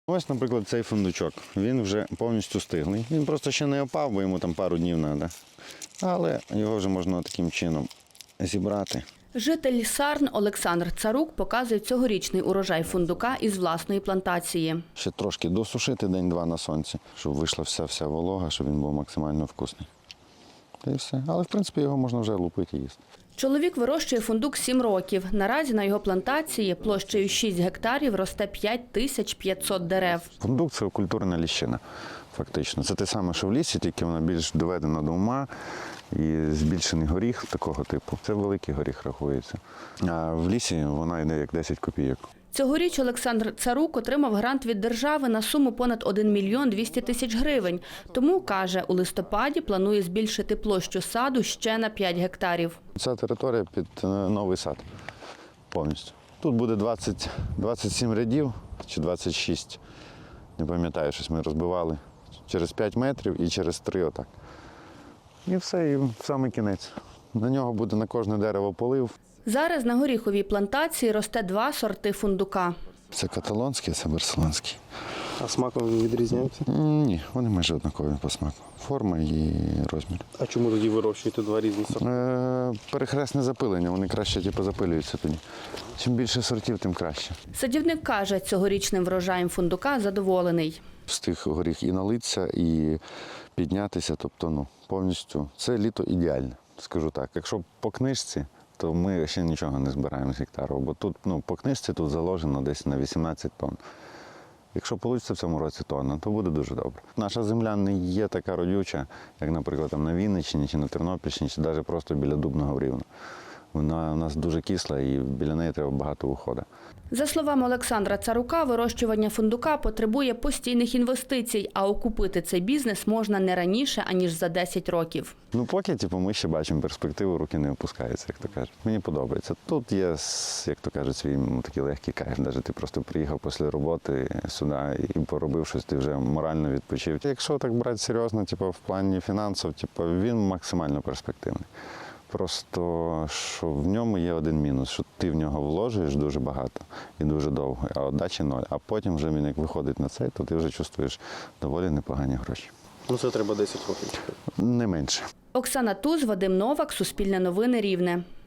Ось, наприклад, цей фундучок. Він вже повністю стиглий. Він просто ще не опав, бо йому там пару днів треба. Але його вже можна таким чином зібрати. Житель Сарн Олександр Царук показує цьогорічний урожай фундука із власної плантації. Ще трошки досушити день-два на сонці, щоб вийшла вся волога, щоб він був максимально вкусний. Та і все. Але, в принципі, його можна вже лупити і їсти. Чоловік вирощує фундук 7 років. Наразі на його плантації площею 6 гектарів росте 5500 дерев. Фундук – це культурна ліщина, фактично. Це те саме, що в лісі, тільки вона більш доведена до ума і збільшений горіх такого типу. Це великий горіх рахується. А в лісі вона йде як 10 копійок. Цьогоріч Олександр Царук отримав грант від держави на суму понад 1 мільйон 200 тисяч гривень. Тому, каже, у листопаді планує збільшити площу саду ще на 5 гектарів. Ця територія під новий сад повністю. Тут буде 27 рядів чи 26, не пам'ятаю, щось ми розбивали, через 5 метрів і через 3 отак. І все, і в самий кінець. На нього буде на кожне дерево полив. Зараз на горіховій плантації росте 2 сорти фундука. Це каталонський, це барселонський. А смаком відрізняються? Ні, вони майже однакові по смаку. Форма і розмір. А чому тоді вирощуєте два різні сорти? Перехресне запилення, вони краще запилюються тоді. Чим більше сортів, тим краще. Садівник каже, цьогорічним врожаєм фундука задоволений. Встиг горіх і налитися, і піднятися, тобто повністю. Це літо ідеальне, скажу так. Якщо по книжці, то ми ще нічого не збираємо з гектару, бо тут по книжці тут заложено десь на 18 тонн. Якщо вийде в цьому році тонна, то буде дуже добре. Наша земля не є така родюча, як, наприклад, там на Вінниччині чи на Тернопільщині, чи навіть просто біля Дубного рівня. Вона у нас дуже кисла і біля неї треба багато уходу. За словами Олександра Царука, вирощування фундука потребує постійних інвестицій, а окупити цей бізнес можна не раніше, аніж за 10 років. Поки ми ще бачимо перспективу, руки не опускаються, як то кажуть. Мені подобається. Тут є, як то кажуть, свій такий легкий кайф. Навіть ти просто приїхав після роботи сюди і поробив щось, ти вже морально відпочив. Якщо так брати серйозно, в плані фінансів, він максимально перспективний. Просто, що в ньому є один мінус, що ти в нього вложуєш дуже багато і дуже довго, а віддачі ноль. А потім вже він як виходить на цей, то ти вже чувствуєш доволі непогані гроші. Це треба 10 років. Не менше. Оксана Туз, Вадим Новак, Суспільне новини, Рівне.